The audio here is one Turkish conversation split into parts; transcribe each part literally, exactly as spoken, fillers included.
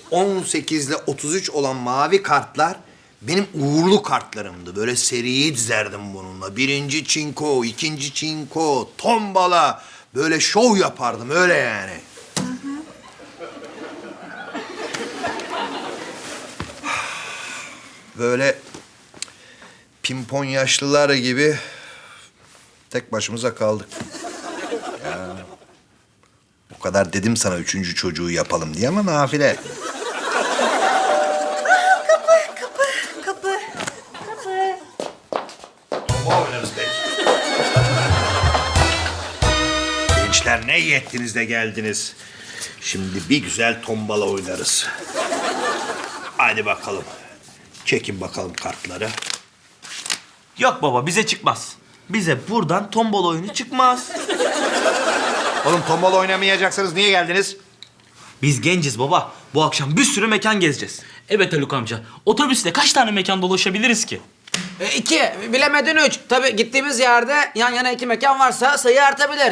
on sekiz ile otuz üç olan mavi kartlar benim uğurlu kartlarımdı. Böyle seriyi dizerdim bununla. Birinci çinko, ikinci çinko, tombala. Böyle şov yapardım öyle yani. Böyle pimpon yaşlılar gibi tek başımıza kaldık. Ya, o kadar dedim sana üçüncü çocuğu yapalım diye ama nafile. Kapı, kapı, kapı. Bomba oynarız belki. Gençler ne iyi ettiniz de geldiniz. Şimdi bir güzel tombala oynarız. Hadi bakalım. Çekin bakalım kartları. Yok baba bize çıkmaz. Bize buradan tombala oyunu çıkmaz. Oğlum tombala oynamayacaksanız niye geldiniz? Biz genciz baba. Bu akşam bir sürü mekan gezeceğiz. Evet Haluk amca. Otobüsle kaç tane mekan dolaşabiliriz ki? E, iki, bilemedin üç. Tabii gittiğimiz yerde yan yana iki mekan varsa sayı artabilir.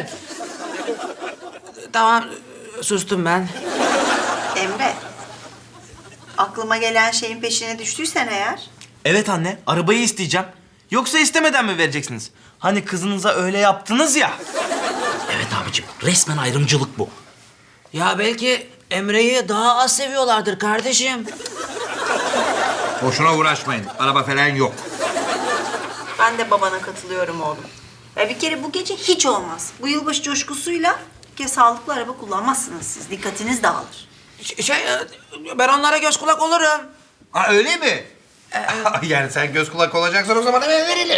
Tamam, sustum ben. Emre, aklıma gelen şeyin peşine düştüysen eğer... Evet anne, arabayı isteyeceğim. Yoksa istemeden mi vereceksiniz? Hani kızınıza öyle yaptınız ya. Evet abicim. Resmen ayrımcılık bu. Ya belki Emre'yi daha az seviyorlardır kardeşim. Boşuna uğraşmayın. Araba falan yok. Ben de babana katılıyorum oğlum. Ya bir kere bu gece hiç olmaz. Bu yılbaşı coşkusuyla bir kere sağlıklı araba kullanmazsınız siz. Dikkatiniz dağılır. Ş- Şey, e, ben onlara göz kulak olurum. Ha öyle mi? Yani sen göz kulak olacaksan o zaman hemen verelim.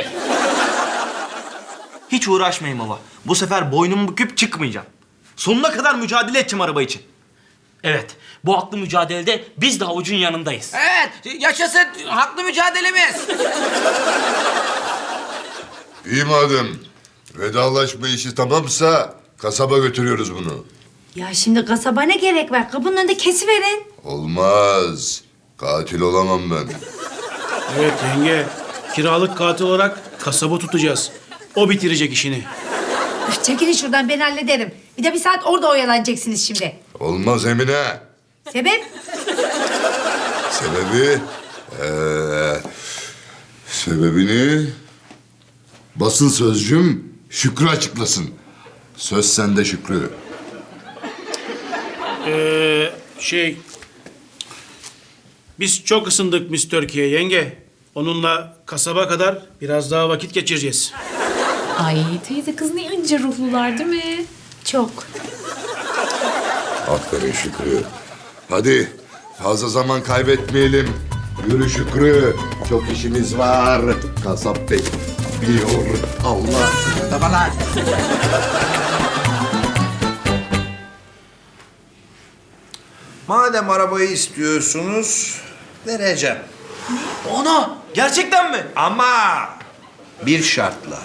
Hiç uğraşmayın baba. Bu sefer boynumu büküp çıkmayacağım. Sonuna kadar mücadele edeceğim araba için. Evet. Bu haklı mücadelede biz de havucun yanındayız. Evet, yaşasın haklı mücadelemiz. İyi madem. Vedalaşma işi tamamsa kasaba götürüyoruz bunu. Ya şimdi kasaba ne gerek var? Kapının önünde kesiverin. Olmaz. Katil olamam ben. Evet yenge. Kiralık katil olarak kasaba tutacağız. O bitirecek işini. Üf, çekilin şuradan ben hallederim. Bir de bir saat orada oyalanacaksınız şimdi. Olmaz Emine. Sebep? Sebebi... eee, sebebini... Basın sözcüm Şükrü açıklasın. Söz sende Şükrü. Ee, şey... Biz çok ısındık Miss Türkiye yenge. Onunla kasaba kadar biraz daha vakit geçireceğiz. Ay teyze kız ne ince ruhlular değil mi? Çok. Aferin Şükrü. Hadi fazla zaman kaybetmeyelim. Yürü Şükrü. Çok işimiz var. Kasap bekliyor. Allah. Babalar. Madem arabayı istiyorsunuz, vereceğim. Ana! Gerçekten mi? Ama bir şartla.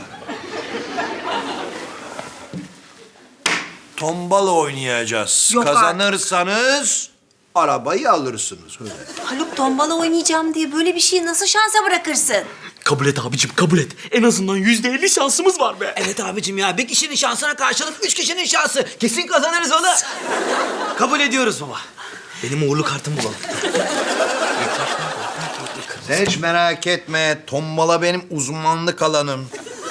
Tombala oynayacağız. Yok artık. Kazanırsanız arabayı alırsınız. Öyle. Haluk tombala oynayacağım diye böyle bir şeyi nasıl şansa bırakırsın? Kabul et abicim kabul et. En azından yüzde elli şansımız var be. Evet abicim ya, bir kişinin şansına karşılık üç kişinin şansı. Kesin kazanırız onu. Kabul ediyoruz baba. Benim uğurlu kartımı bulalım. Sen hiç merak etme. Tombala benim uzmanlık alanım.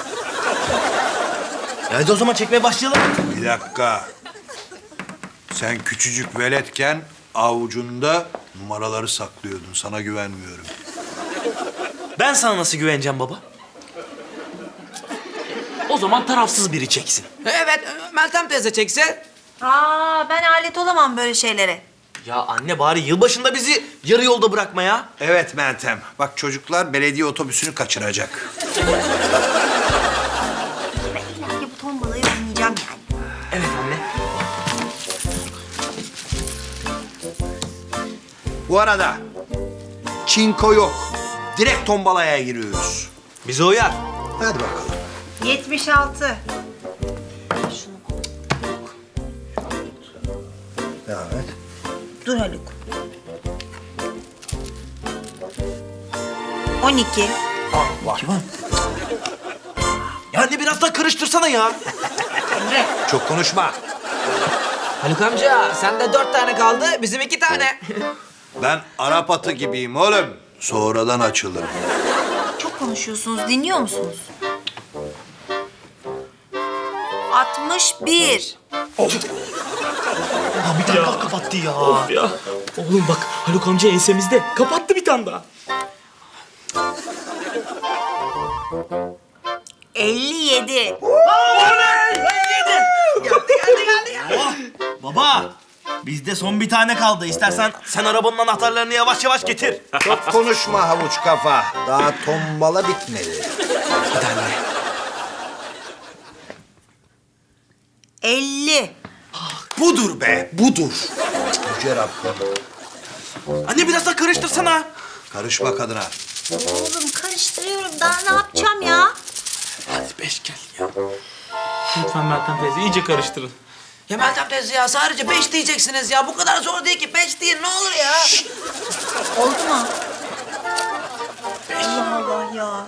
Ya hadi o zaman çekmeye başlayalım. Bir dakika. Sen küçücük veletken avucunda numaraları saklıyordun. Sana güvenmiyorum. Ben sana nasıl güveneceğim baba? O zaman tarafsız biri çeksin. Evet, Meltem teyze çekse. Aa, ben alet olamam böyle şeylere. Ya anne bari yılbaşında bizi yarı yolda bırakma ya. Evet Meltem. Bak çocuklar belediye otobüsünü kaçıracak. Ben illa ki bu tombalayı oynayacağım yani. Evet anne. Bu arada çinko yok. Direkt tombalaya giriyoruz. Bize uyar. Hadi bakalım. yetmiş altı. Şunu Devam et. dur Haluk. on iki. Ya anne biraz daha karıştırsana ya. Çok konuşma. Haluk amca, sende dört tane kaldı, bizim iki tane. Ben Arap atı gibiyim oğlum. Sonradan açılırım. Çok konuşuyorsunuz. Dinliyor musunuz? altmış bir. Ha, bir tane daha kapattı ya. Of ya. Oğlum bak Haluk amca ensemizde. Kapattı bir tane daha. elli yedi. Baba, bizde son bir tane kaldı. İstersen sen arabanın anahtarlarını yavaş yavaş getir. Çok konuşma havuç kafa. Daha tombala bitmedi. elli. Budur be, budur. Yüce Rabbim. Anne biraz daha karıştırsana. Karışma kadına. Oğlum karıştırıyorum. Daha ne yapacağım ya? Hadi beş gel ya. Lütfen Meltem teyze iyice karıştırın. Ya Meltem teyze ya sadece beş diyeceksiniz ya. Bu kadar zor değil ki. Beş değil ne olur ya. Oldu mu? Allah Allah ya.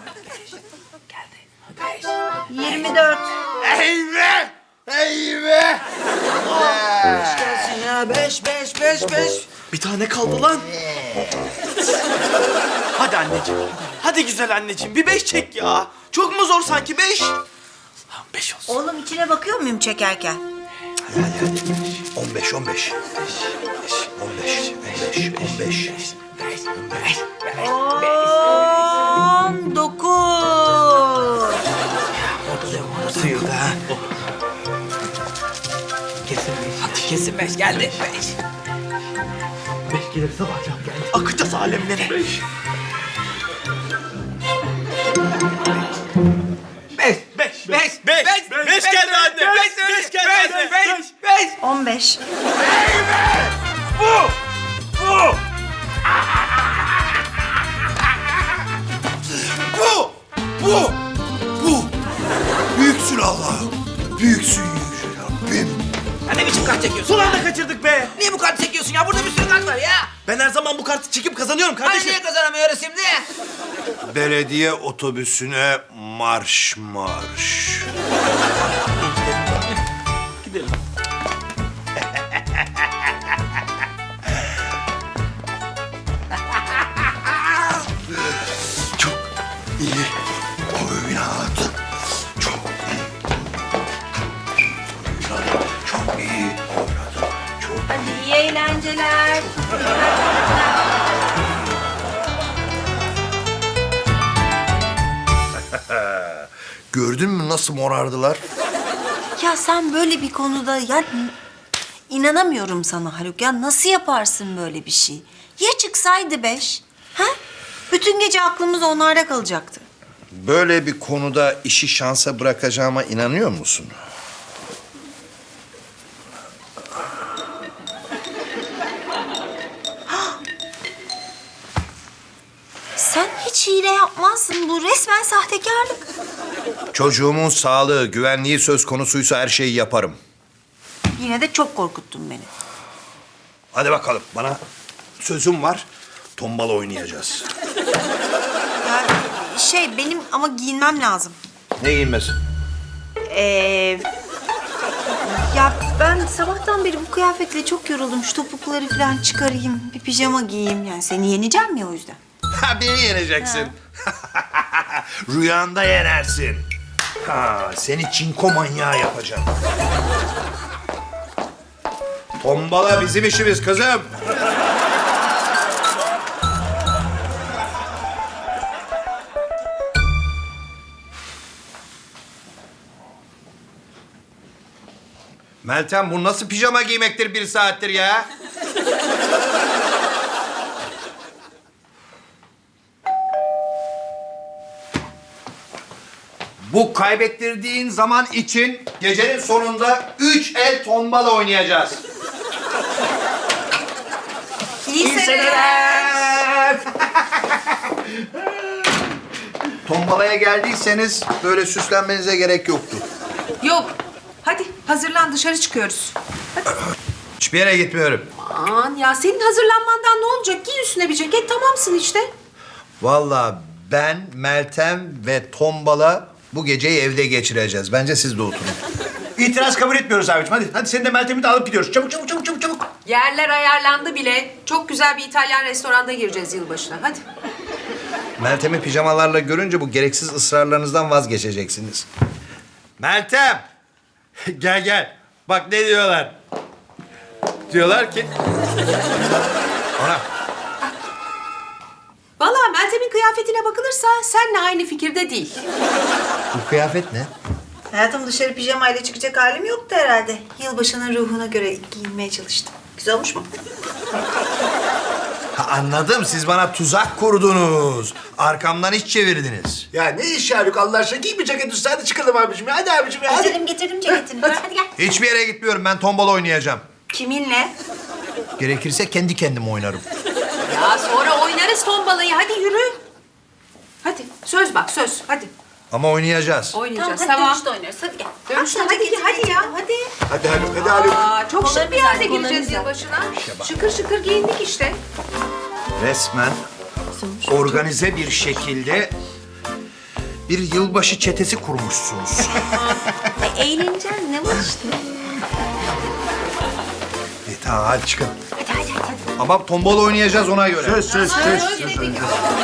yirmi dört. Eyvah! Eyvah! Beş gelsin ya. Beş, beş, beş, beş. Bir tane kaldı lan. Hadi anneciğim. Hadi güzel anneciğim. Bir beş çek ya. Çok mu zor sanki beş? Lan beş olsun. Oğlum içine bakıyor muyum çekerken? On beş, on beş. On beş, on beş, on beş. On dokuz. Sıyırdı ha. Hadi kesin beş geldi. Beş. Beş gelirse bakacağım geldi. Akacağız alemlere. Beş. Beş. Beş. Beş. Beş geldi anne. Beş, beş geldi anne. Beş. Beş. On beş. Bu! Bu! Bu! Büyüksün Allah'ım. Büyüksün Yüce Rabbim. Ya ne biçim kart çekiyorsun Son ya? anda kaçırdık be. Niye bu kartı çekiyorsun ya? Burada bir sürü kart var ya. Ben her zaman bu kartı çekip kazanıyorum Hani kardeşim. niye kazanamıyoruz şimdi? Belediye otobüsüne marş marş. Gidelim. Çok iyi oynadın. Çok iyi. Oynadın. Çok iyi oynadın. Çok Hadi iyi eğlenceler. Gördün mü nasıl morardılar? Ya sen böyle bir konuda ya inanamıyorum sana Haluk. Ya nasıl yaparsın böyle bir şey? Ya çıksaydı beş? Ha? Bütün gece aklımız onlarda kalacaktı. Böyle bir konuda işi şansa bırakacağıma inanıyor musun? Sen hiç hile yapmazsın. Bu resmen sahtekarlık. Çocuğumun sağlığı, güvenliği söz konusuysa her şeyi yaparım. Yine de çok korkuttun beni. Hadi bakalım, bana sözüm var. Tombala oynayacağız. Ya şey benim ama giyinmem lazım. Ne giyinmesi? Ee, ya ben sabahtan beri bu kıyafetle çok yoruldum. Şu topukları falan çıkarayım, bir pijama giyeyim. Yani seni yeneceğim ya o yüzden. Ha, beni yeneceksin. Rüyanda yenersin. Ha, seni çinko manyağı yapacağım. Tombala bizim işimiz kızım. Meltem, bu nasıl pijama giymektir bir saattir ya? Bu kaybettirdiğin zaman için gecenin sonunda üç el tombala oynayacağız. İyi, seneler. Tombalaya geldiyseniz böyle süslenmenize gerek yoktu. Yok. Hadi hazırlan dışarı çıkıyoruz. Hiçbir yere gitmiyorum. Aman ya senin hazırlanmandan ne olacak? Giy üstüne bir ceket tamamsın işte. Vallahi ben, Meltem ve Tombala bu geceyi evde geçireceğiz. Bence siz de oturun. İtiraz kabul etmiyoruz abiciğim. Hadi, hadi seni de Meltem'i de alıp gidiyoruz. Çabuk, çabuk, çabuk, çabuk, çabuk. Yerler ayarlandı bile. Çok güzel bir İtalyan restoranda gireceğiz yılbaşına. Hadi. Meltem'i pijamalarla görünce bu gereksiz ısrarlarınızdan vazgeçeceksiniz. Meltem! Gel gel. Bak ne diyorlar. Diyorlar ki... Ona. Vallahi Meltem'in kıyafetine bakılırsa seninle aynı fikirde değil. Bu kıyafet ne? Hayatım dışarı pijamayla çıkacak halim yoktu herhalde. Yılbaşının ruhuna göre giyinmeye çalıştım. Güzel olmuş mu? Ha, anladım. Siz bana tuzak kurdunuz. Arkamdan iş çevirdiniz. Ya ne iş Haluk Allah aşkına giy bir ceket üstü hadi çıkalım abicim ya hadi abicim ya hadi. Getirdim getirdim ceketini. Ver, hadi gel. Hiçbir yere gitmiyorum. Ben tombala oynayacağım. Kiminle? Gerekirse kendi kendime oynarım. Ya sonra oynarız tombalayı. Hadi yürü. Hadi söz bak söz. Hadi Ama oynayacağız. oynayacağız. hadi Tamam. dönüşte oynarız. Hadi gel. Dönüşte Bak, hadi, hadi ya hadi. Hadi Haluk hadi Haluk. Aa, çok şık bir Kollarını yerde güzel, gireceğiz kollarını yılbaşına. Şıkır şıkır giyindik işte. Resmen organize bir şekilde bir yılbaşı çetesi kurmuşsunuz. E, eğleneceğiz. Ne var işte? e, tamam hadi çıkın. Ama tombala oynayacağız ona göre. Söz söz söz. Söz dedik.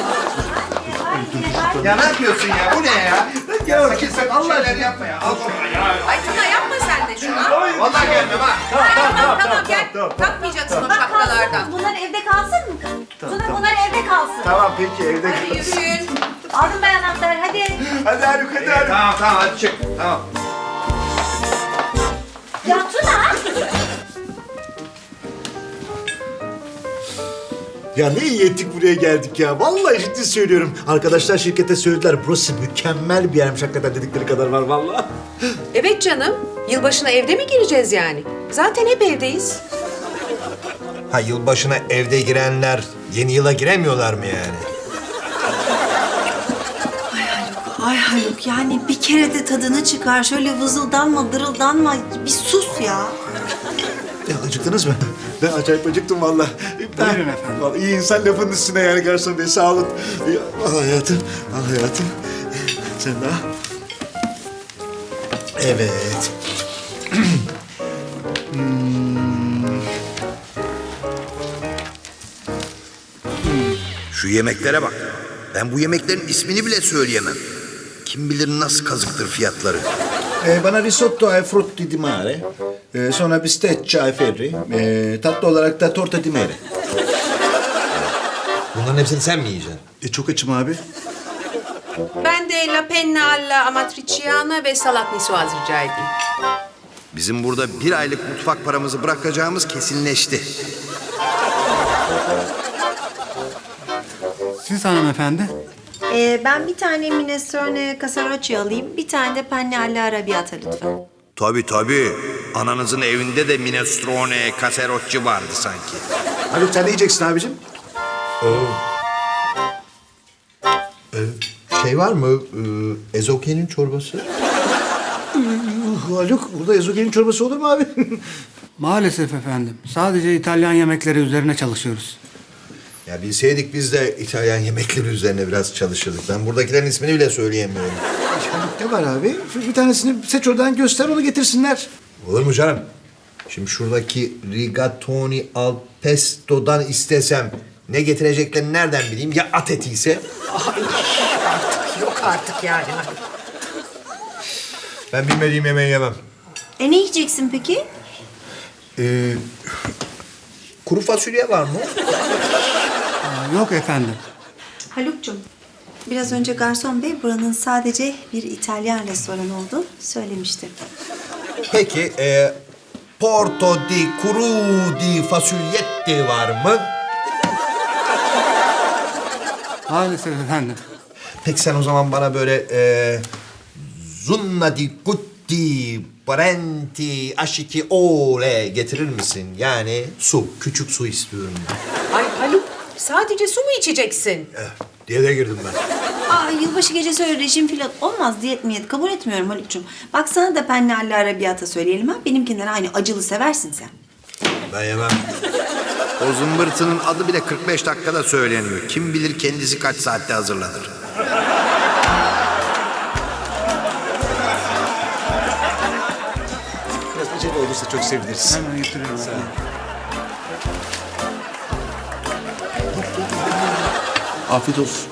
Ya ne yapıyorsun ya? Bu ne ya? Ya sakın sakın Allah şeyler yapma ya. Al şunu ya. Ay Tuna yapma sen de şunu. Vallahi gelmem ha. Tamam tamam tamam gel. Takmayacaksın o şapkalardan. Bunlar evde kalsın mı? Bunlar, bunlar evde kalsın. Tamam peki evde Hadi kalsın. yürüyün. Aldım ben anahtarı hadi. Hadi Haluk hadi Haluk. Tamam tamam hadi çık. Tamam. Ya Tuna. Ya ne iyi ettik buraya geldik ya. Vallahi ciddi söylüyorum. Arkadaşlar şirkete söylediler. Burası mükemmel bir yermiş hakikaten dedikleri kadar var vallahi. Evet canım. Yılbaşına evde mi gireceğiz yani? Zaten hep evdeyiz. Ha yılbaşına evde girenler yeni yıla giremiyorlar mı yani? Ay Haluk yani bir kere de tadını çıkar. Şöyle vızıldanma, dırıldanma. Bir sus ya. Ya acıktınız mı? Ben acayip acıktım vallahi. Buyurun efendim. Vallahi iyi insan lafın üstüne yani garson bey sağ olun. Ya, al hayatım, al hayatım. Sen de al. Evet. Şu yemeklere bak. Ben bu yemeklerin ismini bile söyleyemem. Kim bilir nasıl kazıktır fiyatları. Ee, bana risotto ai frutti di mare. Ee, sonra bistecca ai ferri. Ee, tatlı olarak da torta di mare. Bunların hepsini sen mi yiyeceksin? E, çok açım abi. Ben de la penna alla amatriciana ve salat niçoise rica edeyim. Bizim burada bir aylık mutfak paramızı bırakacağımız kesinleşti. Siz hanımefendi? Ee, ben bir tane minestrone casarocci alayım. Bir tane de penne alla arrabbiata lütfen. Tabii tabii. Ananızın evinde de minestrone, caserocci vardı sanki. Haluk sen ne yiyeceksin abicim? Şey var mı? Ee, ezokelin çorbası? Uh, Haluk burada ezogelin çorbası olur mu abi? Maalesef efendim. Sadece İtalyan yemekleri üzerine çalışıyoruz. Ya bilseydik biz de İtalyan yemekleri üzerine biraz çalışırdık. Ben buradakilerin ismini bile söyleyemiyorum. Haluk ne var abi? Şu bir tanesini seç oradan göster onu getirsinler. Olur mu canım? Şimdi şuradaki rigatoni al pesto'dan istesem ne getireceklerini nereden bileyim? Ya at eti ise? Yok artık yani. Ben bilmediğim yemeği yemem. E ne yiyeceksin peki? Ee, kuru fasulye var mı? Aa, yok efendim. Haluk'cum, biraz önce garson bey buranın sadece bir İtalyan restoranı olduğunu söylemişti. Peki, e, porto di cru di fasulyetti var mı? Maalesef efendim. Peki sen o zaman bana böyle e, zunna di gutti parenti aşiki ole getirir misin? Yani su, küçük su istiyorum ben. Ay Haluk sadece su mu içeceksin? Eh, diye de girdim ben. Aa, yılbaşı gecesi öyle rejim filan olmaz, diyet miyet kabul etmiyorum Haluk'cum. Bak sana da penne alla arrabbiata söyleyelim ha. Benimkinden aynı acılı seversin sen. Ben yemem. O zımbırtının adı bile kırk beş dakikada söyleniyor. Kim bilir kendisi kaç saatte hazırlanır. Biraz acele olursa çok seviniriz. Hemen getiriyorum. Afiyet olsun.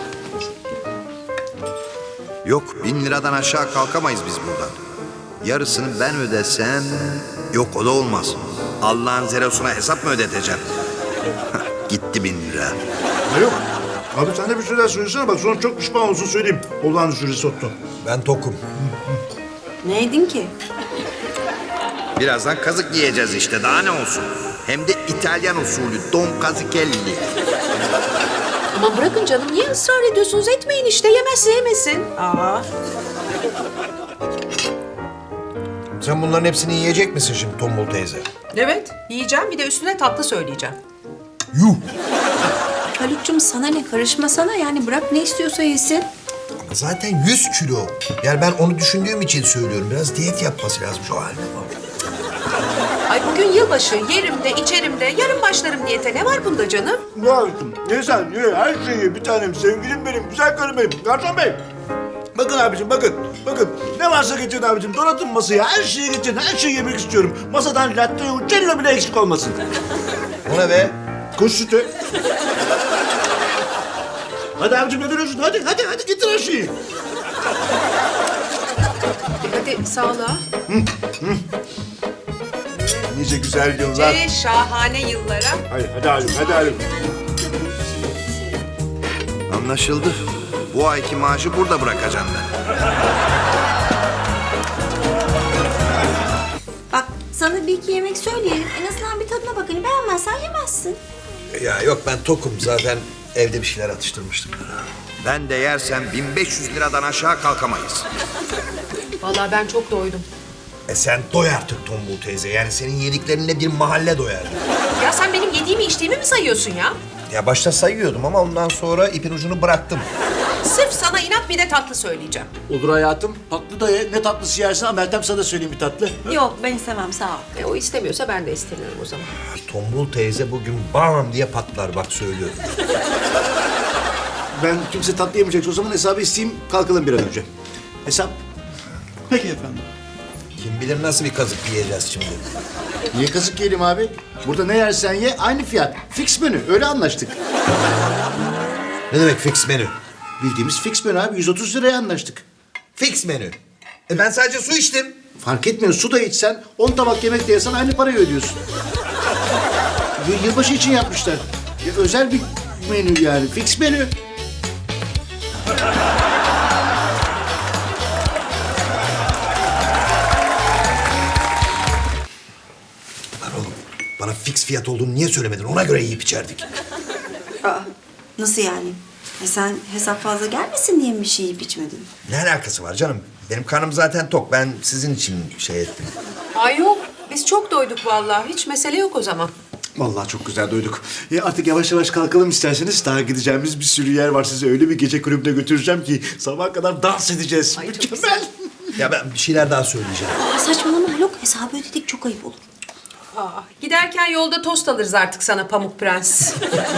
Yok, bin liradan aşağı kalkamayız biz buradan. Yarısını ben ödesem... Yok, o da olmaz. Allah'ın zerosuna hesap mı ödeteceğim? Gitti bin lira. Ha yok. Abi sen de bir şeyler söylesene bak sonra çok pişman olsun söyleyeyim. Olağanüstü risotto. Ben tokum. Ne yedin ki? Birazdan kazık yiyeceğiz işte, daha ne olsun? Hem de İtalyan usulü, Don Cazichelli. Aman bırakın canım, niye ısrar ediyorsunuz? Etmeyin işte, yemezse yemesin. Aa. Sen bunların hepsini yiyecek misin şimdi Tombul teyze? Evet, yiyeceğim, bir de üstüne tatlı söyleyeceğim. Yuh! Haluk'cum sana ne, karışmasana yani, bırak ne istiyorsa yesin. Ama zaten yüz kilo. Yani ben onu düşündüğüm için söylüyorum. Biraz diyet yapması lazım şu haline bak. Ay bugün yılbaşı, yerim de içerim de, yarın başlarım diyete. Ne var bunda canım? Ne yaptım? Ye sen ye her şeyi ye bir tanem sevgilim benim güzel karım benim. Garson bey. Bakın abicim bakın. Bakın ne varsa getirin abicim. Donatın masaya her şeyi getirin. Her şeyi yemek istiyorum. Masadan latte uccello bile eksik olmasın. O ne be? Kuş sütü. Hadi abicim ne duruyorsun? Hadi hadi hadi getir her şeyi. Hadi sağlığa. Nice güzel yıllar. Nice şahane yıllara. Hadi hadi Halim hadi Halim. Anlaşıldı. Bu ayki maaşı burada bırakacağım ben. Bak sana bir iki yemek söyleyelim. En azından bir tadına bak. Hani beğenmezsen yemezsin. Ya yok ben tokum. Zaten evde bir şeyler atıştırmıştım. Ben de yersem bin beş yüz liradan aşağı kalkamayız. Vallahi ben çok doydum. E sen doy artık Tombul teyze. Yani senin yediklerinle bir mahalle doyar. Ya sen benim yediğimi içtiğimi mi sayıyorsun ya? Ya başta sayıyordum ama ondan sonra ipin ucunu bıraktım. Sırf sana inat bir de tatlı söyleyeceğim. Olur hayatım. Tatlı da ye. Ne tatlısı yersin ama Meltem sana söyleyeyim bir tatlı. Yok ben istemem sağ ol. E, o istemiyorsa ben de istemiyorum o zaman. Tombul teyze bugün bam diye patlar bak söylüyorum. Ben kimse tatlı yemeyecekse o zaman hesabı isteyeyim. Kalkalım bir an önce. Hesap. Peki efendim. Kim bilir nasıl bir kazık yiyeceğiz şimdi. Niye kazık yiyelim abi? Burada ne yersen ye aynı fiyat. Fix menü. Öyle anlaştık. Ne demek fix menü? Bildiğimiz fix menü abi. yüz otuz liraya anlaştık. Fix menü. E ben sadece su içtim. Fark etmiyor. Su da içsen, on tabak yemek de yesen aynı parayı ödüyorsun. Y- Yılbaşı için yapmışlar. Ya özel bir menü yani. Fix menü. Lan oğlum bana fix fiyat olduğunu niye söylemedin? Ona göre yiyip içerdik. Aa, nasıl yani? E sen hesap fazla gelmesin diye mi bir şey yiyip içmedin? Ne alakası var canım? Benim karnım zaten tok. Ben sizin için şey ettim. Ay yok, biz çok doyduk vallahi. Hiç mesele yok o zaman. Vallahi çok güzel doyduk. Ya artık yavaş yavaş kalkalım isterseniz. Daha gideceğimiz bir sürü yer var. Sizi öyle bir gece kulübüne götüreceğim ki sabaha kadar dans edeceğiz. Ay, çok Mükemmel. Ya ben bir şeyler daha söyleyeceğim. Aa, saçmalama Haluk. Hesabı ödedik çok ayıp olur. Aa, giderken yolda tost alırız artık sana Pamuk Prens.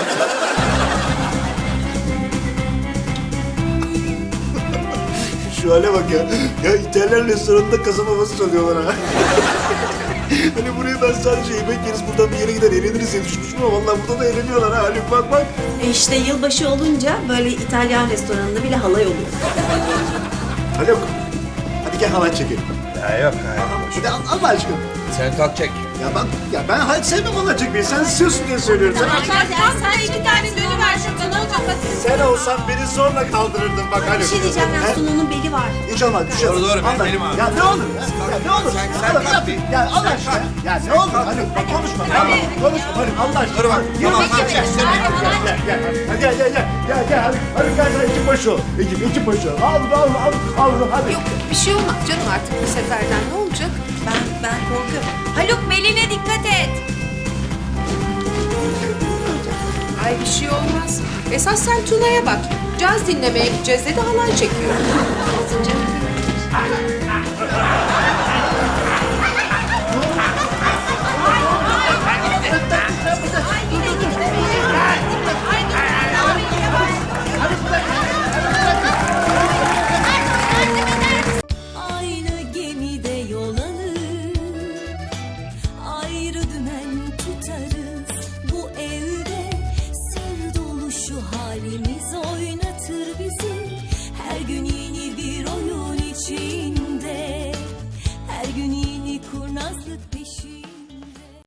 Şu hale bak ya. Ya İtalyan restoranında kasaba havası çalıyorlar ha. Hani buraya ben sadece yemek yeriz buradan bir yere gider eğleniriz diye düşünmüştüm ama vallahi burada da eğleniyorlar ha. Haluk bak bak. E işte yılbaşı olunca böyle İtalyan restoranında bile halay oluyor. Haluk. Hadi gel halay çekelim. Ya yok hayır. Hadi al, Allah aşkına. Sen kalk çek. Ya bak ya ben hayır sevmem halay çekmeyi. Sen istiyorsun diye söylüyorum. Sen, Sen iki tane dönü ver şuradan, ne olacak? sen olsan beni zorla kaldırırdın bak Haluk. Bir şey diyeceğim He? ya Sunan'ın beli var. Hiç olmaz bir şey Doğru, olmaz. doğru, benim Allah- belim abi. Ya ne olur ya. Ya ne olur. Sen- sen Allah- kalk bir. Ya Allah aşkına. Ya ne olur Haluk bak konuşma. Tamam konuşma Haluk Allah aşkına. Dur bak, Gel, tamam, gel, tamam, gel, çek, gel, gel, gel, gel, hadi gel gel gel gel gel Haluk Haluk gel gel ekip başı ol. Ekip ekip başı ol. Al al al al hadi. Yok bir şey olmaz canım artık bu seferden, ne olacak? Ben ben korkuyorum. Haluk beline dikkat et. Ay bir şey olmaz. Esas sen Tuna'ya bak. Caz dinlemeye gideceğiz dedi, halay çekiyor. Aynı gemide yol alır, ayrı dümen tutarız. Bu evde sır dolu şu halimiz oynar. yazlık bir